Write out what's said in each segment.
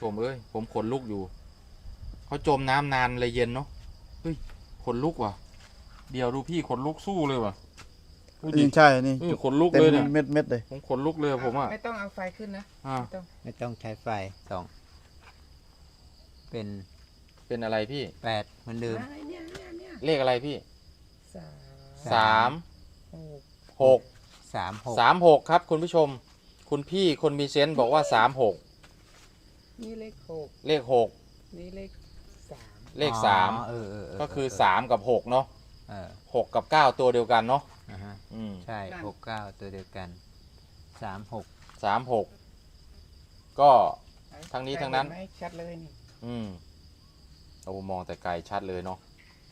ผมผมขนลุกอยู่เขาจมน้ำนานเลยเย็นเนาะเฮ้ยขนลุกว่ะเดี๋ยวดูพี่ขนลุกสู้เลยว่ะนี่ใช่นี่ขนลุกเต็มเลยเนี่ยเม็ดเลยผมขนลุกเลยผมอ่ะไม่ต้องเอาไฟขึ้นนะไม่ต้องใช้ไฟส่องเป็นอะไรพี่ 8เหมือนเดิมเลขอะไรพี่ 36 36ครับคุณผู้ชมคุณพี่คนมีเซนส์บอกว่า36 นี่เลข6 เลข6 นี่เลข 3ก็คือ3กับ6เนาะ6กับ9ตัวเดียวกันเนาะใช่6 9ตัวเดียวกัน 36ก็ทั้งนี้ทั้งนั้นชัดเลยนี่โอ้มองแต่ไกลชัดเลยเนาะ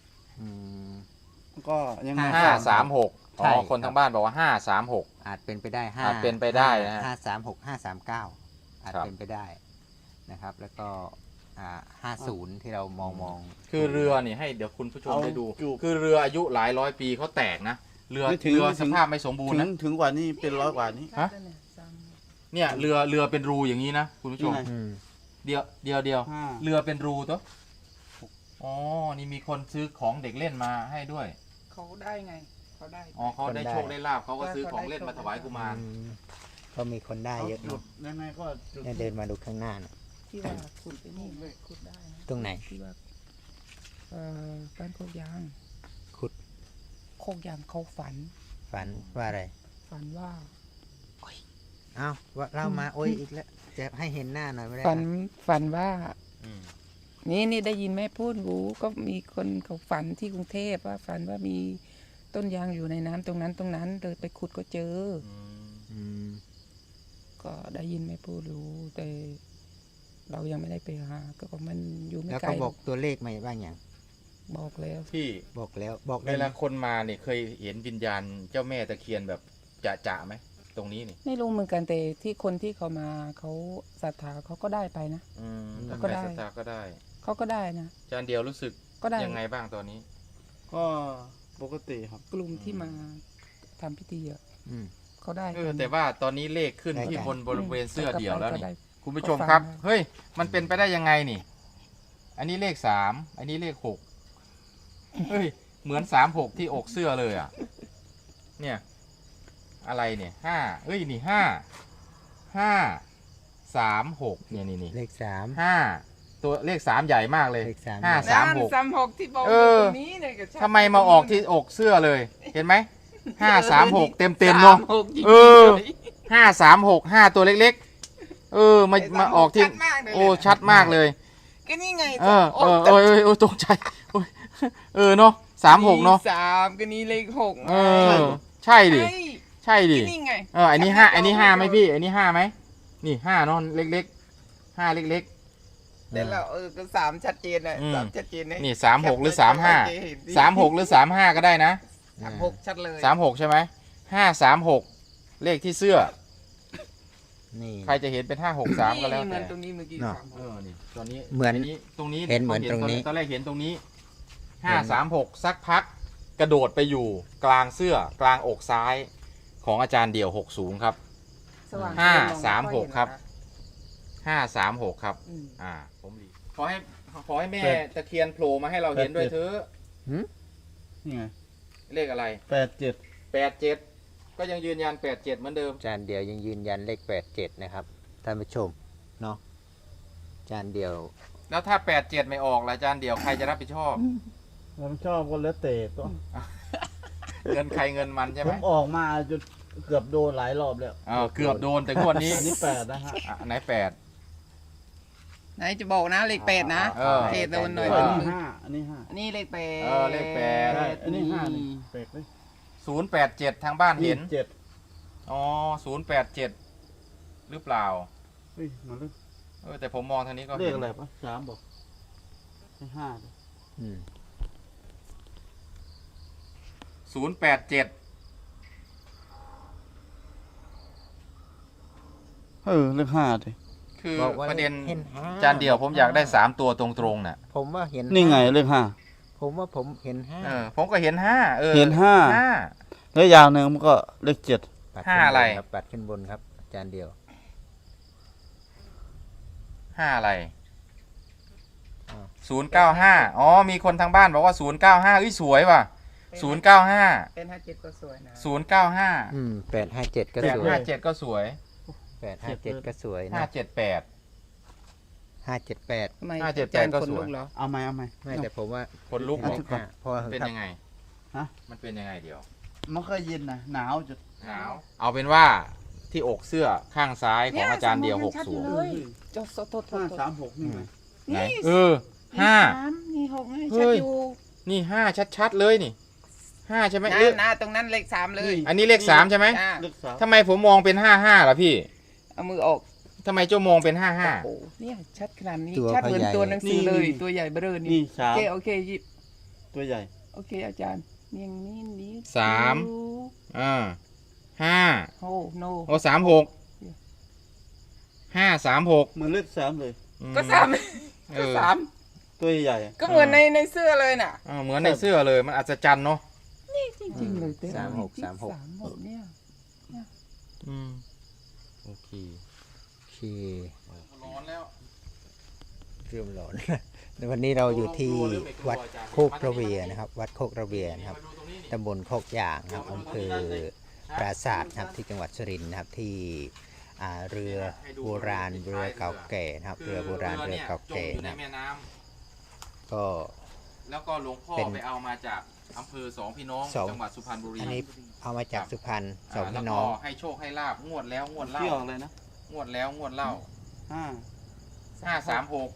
ก็ยังไง 536อ๋อคนทางบ้านบอกว่า536 อาจเป็นไปได้อาจเป็นไปได้นะฮะ 536 539อาจเป็นไปได้นะครับแล้วก็50ที่เรามองคือเรือนี่ให้เดี๋ยวคุณผู้ชมได้ดูคือเรืออายุหลายร้อยปีเขาแตกนะเรือสภาพไม่สมบูรณ์นะถึงกว่านี้เป็น100 กว่านี้ฮะเนี่ยเรือเป็นรูอย่างนี้นะคุณผู้ชมเดียวเรือเป็นรูตัวอ๋อนี่มีคนซื้อของเด็กเล่นมาให้ด้วยเขาได้ไงเขาได้อ๋อเขาได้โชคได้ลาภเขาก็ซื้อของเล่นมาถวายกุมารก็มีคนได้เยอะเนาะยังไงก็เดินมาดูข้างหน้านะที่ว่าขุดไปนี่ขุดได้นะตรงไหนที่ว่าบ้านโคกยางขุดโคกยางเขาฝันว่าอะไรฝันว่าอ้าวว่าเล่ามาโอ้ยอีกแล้วจะให้เห็นหน้าหน่อยไม่ได้ฝันว่านี่ได้ยินแม่พูดรู้ก็มีคนเขาฝันที่กรุงเทพว่าฝันว่ามีต้นยางอยู่ในน้ำตรงนั้นเลยไปขุดก็เจอก็ได้ยินแม่พูดรู้แต่เรายังไม่ได้ไปหาก็มันอยู่ไม่ไกลแล้วก็บอกตัวเลขมาบ้างอย่างบอกแล้วพี่บอกแล้วบอกเวลาคนมาเนี่ยเคยเห็นวิญญาณเจ้าแม่ตะเคียนแบบจะไหมตรงนี้นี่ไม่รู้เหมือนกันแต่ที่คนที่เขามาเขาศรัทธาเขาก็ได้ไปนะก็ได้ศรัทธาก็ได้เขาก็ได้นะจานเดียวรู้สึกก็ได้ยังไงบ้างตอนนี้ก็ปกติครับกลุ่มที่มาทำพิธีเขาได้แต่ว่าตอนนี้เลขขึ้นที่บริเวณเสื้อเดี่ยวแล้วนี่คุณผู้ชมครับเฮ้ยมันเป็นไปได้ยังไงนี่อันนี้เลข3อันนี้เลข6เฮ้ยเหมือน36ที่อกเสื้อเลยอ่ะเนี่ยอะไรเนี่ย5เอ้ยนี่536เนี่ยนี่เลข 5ตัวเลข3ใหญ่มากเลย 536ที่บอกตรงนี้เนี่ยทำไมมาออกที่อกเสื้อเลยเห็นไหม536เต็มเนาะ536 5ตัวเล็กๆมาออกที่โอ้ชัดมากเลยก็นี่ไงตกใจเนาะ36เนาะ 3ก็นี่เลข6 ใช่ดินี่ไงอันนี้5ไหมพี่อันนี้5ไหมนี่5เนาะเล็กๆ5เล็กๆแต่เราก็3ชัดเจนเลย3ชัดเจนนี่36หรือ36หรือ35ก็ได้นะ 36ชัดเลย 36ใช่ไหม536เลขที่เสื้อนี่ใครจะเห็นเป็น563ก็แล้วแต่ตรงนี้เมื่อกี้นี่ตอนนี้เหมือนตรงนี้เห็นเหมือนตรงนี้ตอนแรกเห็นตรงนี้536สักพักกระโดดไปอยู่กลางเสื้อกลางอกซ้ายของอาจารย์เดี่ยว60ครับ536ครับ536ครับผมดีขอให้แม่ตะเคียนโผล่มาให้เราเห็นด้วยเถอะนี่ไงเลขอะไร87ก็ยังยืนยัน87เหมือนเดิมอาจารย์เดี่ยวยังยืนยันเลข87นะครับท่านผู้ชมเนาะอาจารย์เดี่ยวแล้วถ้า87ไม่ออกล่ะอาจารย์เดี่ยวใครจะรับผิดชอบผมชอบคนละเตะก็เงินใครเงินมันใช่ไหมผมออกมาจนเกือบโดนหลายรอบแล้วเกือบโดนแต่งวดนี้นี่8นะฮะไหนไหนจะบอกนะเลข8นะเทโดนหน่อยอันนี้5 อันนี้เลข 8เลข8 อันนี้5นี่แปลกเลย 087ทางบ้านเห็นอ๋อ087หรือเปล่าเฮ้ยมาเลยแต่ผมมองทางนี้ก็เลขอะไรปะ3บอก5 087 เลข5ดิคือประเด็นจานเดียวผมอยากได้3ตัวตรงๆน่ะผมว่าเห็นนี่ไงเลข5 ผมว่าผมเห็น5 ผมก็เห็น5 เห็น5แล้วอย่างหนึ่งมันก็เลข7 5อะไรปัดขึ้นบนครับอาจารย์เดียว 5อะไรอ่า 095อ๋อมีคนทางบ้านบอกว่า095สวยว่ะ095 เป็น57ก็สวยนะ 095 857ก็สวย 857ก็สวย 857ก็สวยนะ 578 578 ทำไม 578 อาจารย์ก็คนสวยลุกเหรอเอาไหมเอาไหมไม่แต่ผมว่าคนลุกเอาบอกทุกคนเพราะว่าเป็นยังไงฮะมันเป็นยังไงเดี๋ยวมันก็เย็นนะหนาวจุดหนาวเอาเป็นว่าที่อกเสื้อข้างซ้ายของอาจารย์เดียวนี่ชัดอยู่ 60 เลยจดโทษ 536นี่ไงไหนนี่ห้านี่6ให้เฮ้ชัดยอยู่นี่5ชัดๆเลยนี่5ใช่ไหมหน้าหรือหน้าตรงนั้นเลข3เลยอันนี้เลข3ใช่ไหมจ้าเลขสามทำไมผมมองเป็น55ล่ะพี่เอามือออกทำไมเจ้ามองเป็นโอ้โหเนี่ยชัดขนาดนี้ตัวชัดเหมือนเขาใหญ่ตัวหนังสือเลยตัวใหญ่เบ้อเร่อนี่นี่สามโอเคหยิบตัวใหญ่โอเคอาจารย์เนียงนี้นี้สาม 5 โอ้โนโอ้36 536 เหมือนเลขสามเลยก็สามเอก็อสามตัวใหญ่ก็เหมือนในเสื้อเลยน่ะเหมือนในเสื้อเลยมันอัศจรรย์เนาะจริงๆเลยเต้ 36 36เนี่ยโอเคโอเคร้อนแล้วเริ่มร้อน ในวันนี้เราอยู่ที่วัดโคกระเวียนะครับ วัดโคกระเวียนะครับตำบลโคกยางครับอำเภอปราสาทนะครับที่จังหวัดสุรินทร์นะครับที่เรือโบราณเรือเก่าแก่นะครับเรือโบราณเรือเก่าแก่จมอยู่ในนะครับแม่น้ำก็แล้วก็หลวงพ่อเป็นไปเอามาจากอำเภอสองพี่น้องสองจังหวัดสุพรรณบุรีอันนี้เอามาจากสุพรรณสองแล้วพี่ก็น้องให้โชคให้ลาบงวดแล้วงวดเล่าเที่ยวอะไรนะงวดแล้วงวดเล่า 536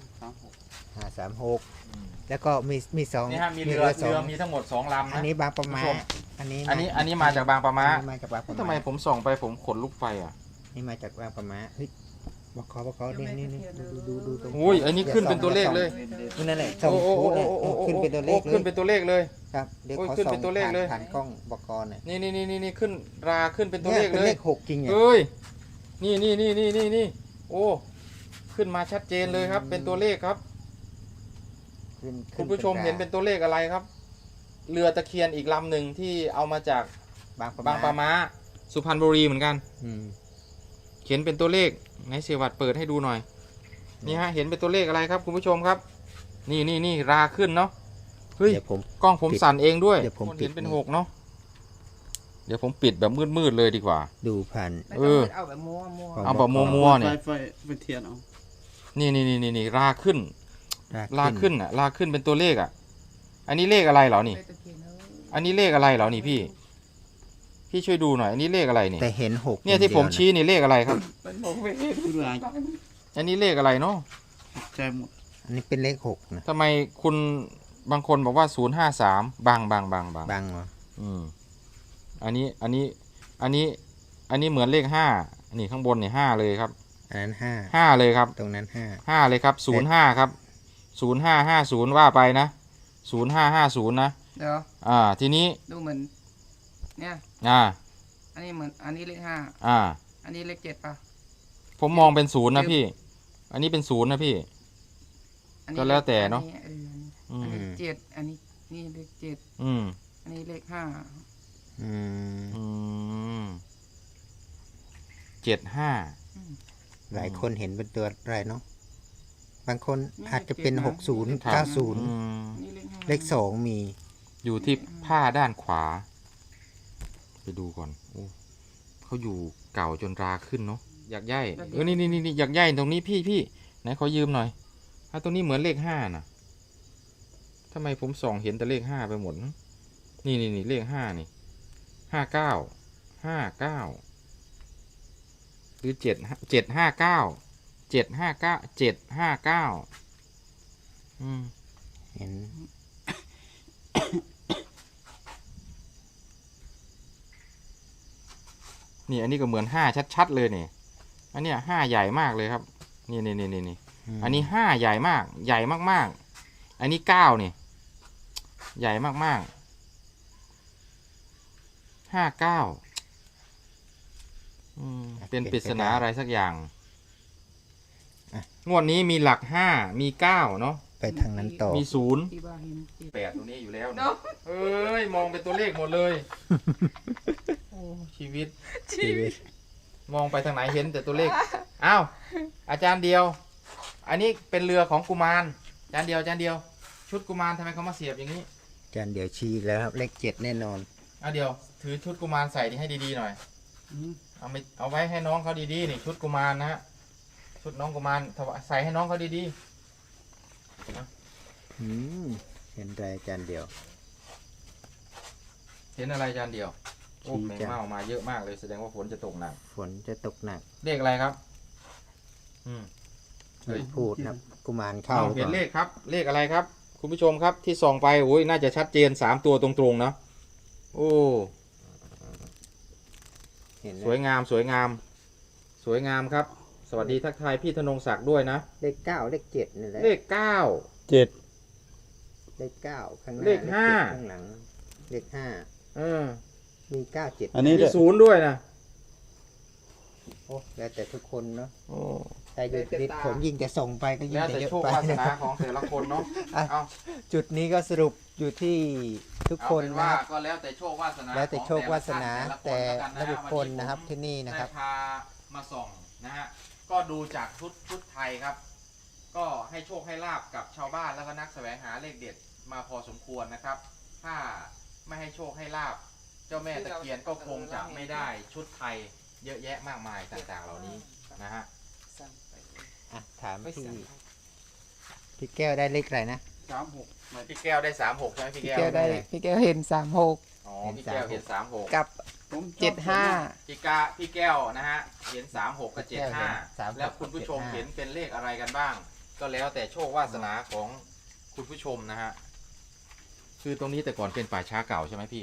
536 แล้วก็มีสองนี่ฮะมีเรือสองมีทั้งหมด2 ลำอันนะนี้บางประมาคุณผู้ชมอันนี้อันนี้มาจากบางปะมาอันนี้มาจากบางประทำไมมาผมส่องไปผมขนลุกไปอ่ะนี่มาจากบางประมาเฮ้ยบอกเขานี่ดูตรงอุ้ยอันนี้ขึ้นเป็นตัวเลขเลยนั่นแหละส่งโอ้โอ้พูดโอ้เนี่ยโอ้โอ้ขึ้นเป็นตัวเลขขึ้นเป็นตัวเลขเลยครับเดี๋ยวโอ้ยเขาขึ้นส่เป็งนตัวเลขเลยผ่านกล้องบอกกรเนี่ยนี่ขึ้นราขึ้นเป็นตัวเลขเป็นเลเลย ข6จริงเนี่ยเอ้ยนี่โอ้ขึ้นมาชัดเจนเลยครับ เป็นตัวเลขครับขึ้นคุณผู้ชมเห็นเป็นตัวเลขอะไรครับ เรือตะเคียนอีกลำหนึ่งที่เอามาจากบางประบางปะมาสุพรรณบุรีเหมือนกันอืมเขียนเป็นตัวเลขไหนเสียวัดเปิดให้ดูหน่อย นี่ฮะเห็นเป็นตัวเลขอะไรครับคุณผู้ชมครับ นี่ราขึ้นเนาะเฮ้ยเดี๋ยวผมกล้องผมสั่นเองด้วยเดี๋ยวผมคนเห็นปิดเป็น6เนาะเดี๋ยวผมปิดแบบมืดเลยดีกว่าดูผ่านไม่ต้องเอาแบบมัวเอาแบบมัวๆเนี่ยไฟเป็นเทียนเอานี่ราขึ้นราขึ้นเป็นตัวเลขอ่ะ อันนี้เลขอะไรเหรอนี่ อันนี้เลขอะไรเหรอนี่พี่ช่วยดูหน่อยอันนี้เลขอะไรนี่แต่เห็น6 เนี่ยที่ผมชี้นี่เลขอะไรครับมันมองไม่เห็นคืออะไรอันนี้เลขอะไรเนาะใจหมดอันนี้เป็นเลข6นะทำไมคุณบางคนบอกว่า053บางบางเหรออันนี้เหมือนเลข5นี่ข้างบนนี่5เลยครับอันนั้น 5เลยครับ 5ตรงนั้น 5เลยครับ05ครับ0550ว่าไปนะ0550นะเดี๋ยวทีนี้ดูเหมือนเนี่ย อันนี้เหมือนอันนี้เลข5อันนี้เลข7ป่ะผมมองเป็น0นะพี่ อันนี้เป็น0นะพี่อันนี้ก็แล้วแต่เนอะอันนี้7อันนี้นี่เลข7 อืมอันนี้เลข5 5 75 หลายคนเห็นเป็นตัวอะไรเนาะบางคนอาจจะเป็น60 90 นี่เลข5 เลข2มีอยู่ที่ผ้าด้านขวา ไปดูก่อนโอ้เขาอยู่เก่าจนราขึ้นเนาะอยากย่ายนี่อยากย่ายตรงนี้พี่ไหนขอยืมหน่อยตรงนี้เหมือนเลข5นะทำไมผมส่องเห็นแต่เลข5ไปหมดนี่เลข5นี่59หรือ759 เห็นนี่อันนี้ก็เหมือน5ชัดๆเลยนี่อันเนี้ย5ใหญ่มากเลยครับนี่อันนี้5ใหญ่มากใหญ่มากๆอันนี้9นี่ใหญ่มากๆ59เป็นปริศนาอะไรสักอย่างงวดนี้มีหลัก5มี9เนาะไปทางนั้นต่อมี0 ที่ว่าเห็น7 8ตัวนี้อยู่แล้วเนาะเอ้ยมองเป็นตัวเลขหมดเลยโอ้ชีวิตชีวิตมองไปทางไหนเห็นแต่ตัวเลข อ้าว อาจารย์เดียวอันนี้เป็นเรือของกุมารจานเดียวจานเดียว ชุดกุมารทำไมเขามาเสียบอย่างนี้อาจารย์เดี๋ยวชี้แล้วครับเลข7แน่นอนเดี๋ยวถือชุดกุมารใส่นี่ให้ดีๆหน่อยอืมเอาไว้ให้น้องเขาดีๆนี่ชุดกุมารนะฮะชุดน้องกุมารใส่ให้น้องเขาดีอืมเห็นไรอาจารย์เดี๋ยวๆเห็นอะไรจานเดียวโอ้ชี้แมงจ้ะเม่ามาเยอะมากเลยแสดงว่าฝนจะตกหนักฝนจะตกหนักเลขอะไรครับเฮ้ยไม่พูดนะครับกุมารเข้าเห็นก่อนเลขครับ เลขอะไรครับ คุณผู้ชมครับที่ส่องไปโอ้ยน่าจะชัดเจน3ตัวตรงๆนะโอ้เห็นไหมสวยงามสวยงาม สวยงามครับ สวัสดีทักทายพี่ธนงศักดิ์ด้วยนะเลข9เลข7นี่แหละเลข9 เจ็ดเลข9ข้างหน้าเลขห้า 7ข้างหลังเลข5มี9 7 อันนี้มีด้วยศูนย์ด้วยนะโอ้แล้วแต่ทุกคนเนาะโอ้แต่อยู่ติดผมยิ่งจะส่งไปก็ยิ่งแล้วจะแต่เยอะโชคไปวาสนะนาครับของแต่ละคนเนาะอ่ะเอาจุดนี้ก็สรุปอยู่ที่ทุกเอาคนเป็นนะว่าครับก็แล้วแต่โชควาสนาแล้วแต่โชควาสนาของแต่ละละคนบุคแล้วกันนะฮะคลนะครับที่นี่นะครับได้พามาส่องนะฮะก็ดูจากชุดไทยครับ ก็ให้โชคให้ลาบกับชาวบ้านแล้วก็นักแสวงหาเลขเด็ดมาพอสมควรนะครับ ถ้าไม่ให้โชคให้ลาบ เจ้าแม่ตะเคียนก็คงจะไม่ได้ชุดไทยเยอะแยะมากมายต่างๆ เหล่านี้นะฮะอ่ะถามพี่แก้วได้เลขอะไรนะ 36 พี่แก้วได้36ใช่ไหมพี่พี่แก้แก้ววได้พี่แก้วเห็น36 อ๋อพี่แก้วเห็น36 กับผมชอบ 75 พี่แก้วนะฮะเห็น36กับพี่แก้วเห็น36 75แล้วคุณผู้ชม 75 เห็นเป็นเลขอะไรกันบ้าง ก็แล้วแต่โชควาสนาของคุณผู้ชมนะฮะคือตรงนี้แต่ก่อนเป็นป่าช้าเก่าใช่ไหมพี่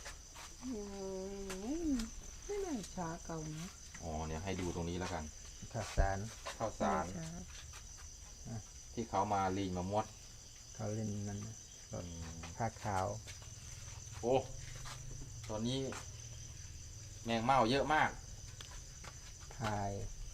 ไม่น่าช้าเก่านะอ๋อเนี่ยให้ดูตรงนี้แล้วกันข้าวสารข้าวสารช้าที่เขามาลีมามดเขาเล่นนั้นนะอืมผ้าขาวโอ้ตอนนี้แมงเม่าเยอะมากพาย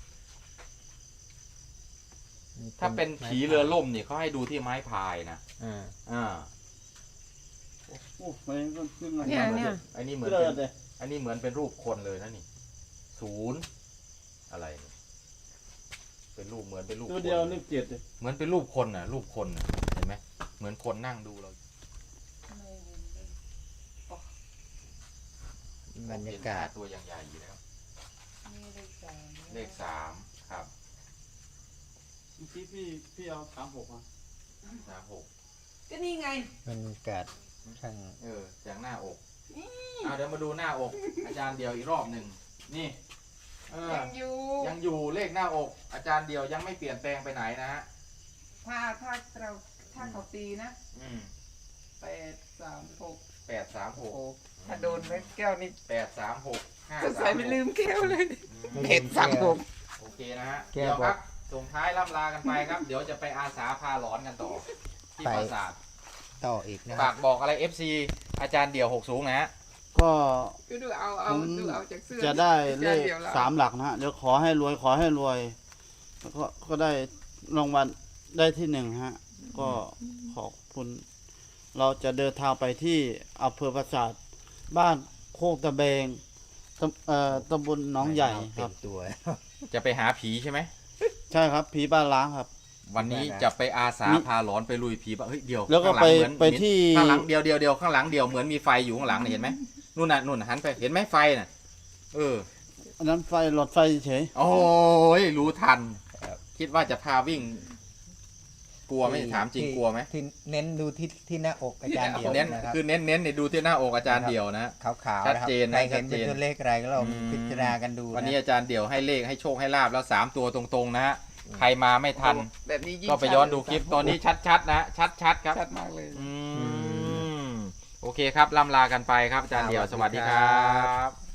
ถ้าเป็นผีเรือล่มเนี่ยเขาให้ดูที่ไม้พายนะอ่าโอ้ไม่ก็ขึ้นมาเนี่ยอันนี้เหมือนเลิเป็ศนเลยอันนี้เหมือนเป็นรูปคนเลยนะนี่0อะไรเนี่ยเป็นรูปเหมือนเป็นรูปตัวคนเดียวเลข7เลยเหมือนเป็นรูปคนน่ะ รูปคนน่ะเห็นไหมเหมือนคนนั่งดูเราบรรยากาศเห็นตัวอย่างใหญ่อยู่แล้วเลข3ครับเมื่อกี้พี่เอา36มา 36 ก็นี่ไงบรรยากาศช่างจากหน้าอกเอาเดี๋ยวมาดูหน้าอก อาจารย์เดียวอีกรอบหนึ่งนี่ยังอยู่ยังอยู่เลขหน้าอก อาจารย์เดียวยังไม่เปลี่ยนแปลงไปไหนนะฮะถ้าเขาตีนะอืม 836 836 ถ้าโดนแม่แก้วนี่ 836 จะใส่ไม่ลื 536 มแก้วเลยไม่ลืมเห็น36 โอเคนะฮะแก้เดี๋ยวบอกครับส่งท้ายล่ำลากันไปครับ เดี๋ยวจะไปอาสาพาหลอนกันต่อ ที่ไปปราสาทต่ออีกนะคฝารับกบอกอะไร FC อาจารย์เดี่ยว6สูงนะฮะก็ดูเอาผมดูเอาจากเสื้อจะได้เลขดี๋ยวรา 3 หลักนะฮะเดี๋ยวขอให้รวยแล้วก็ได้รางวัลได้ที่1ฮะก็ขอบคุณ เราจะเดินทางไปที่อำเภอปราสาทบ้านโคกตะเบงตำบลหนองใหญ่คเต็รับมตัวจะไปหาผีใช่ไหมใช่ครับผีบ้านล้างครับวันนี้ได้นะจะไปอาสามีพาหลอนไปลุยผีบ้าเฮ้ยเดียวแล้วก็ข้างหลังเหมือนไปที่ข้างหลังเดียวข้างหลังเดียวเหมือนมีไฟอยู่ข้างหลังเนี่ยเห็นไหมนู่นน่ะนู่นหันไปเห็นไหมไฟน่ะอันนั้นไฟหลอดไฟเฉยโอ้ยรู้ทัน คิดว่าจะพาวิ่ง กลัวไหมถามจริงกลัวไหมที่เน้นดูที่หน้าอกอาจารย์เดียวเน้นนะครับคือเน้นเนี่ยดูที่หน้าอกอาจารย์เดียวนะขาวๆชัดนะครับเจนนะใครเห็นชัดเจเป็นนตัวเลขอะไรก็ลองพิจารณากันดูะวันนี้อาจารย์เดี่ยวให้เลขให้โชคให้ลาบแล้ว3ตัวตรงๆนะฮะใครมาไม่ทันแบบนี้ยิ่งก็ไปย้อนดูคลิปตอนนี้ชัดๆนะชัดครับชัดมากเลยโอเคครับล่ำลากันไปครับอาจารย์เดี่ยวสวัสดีครับ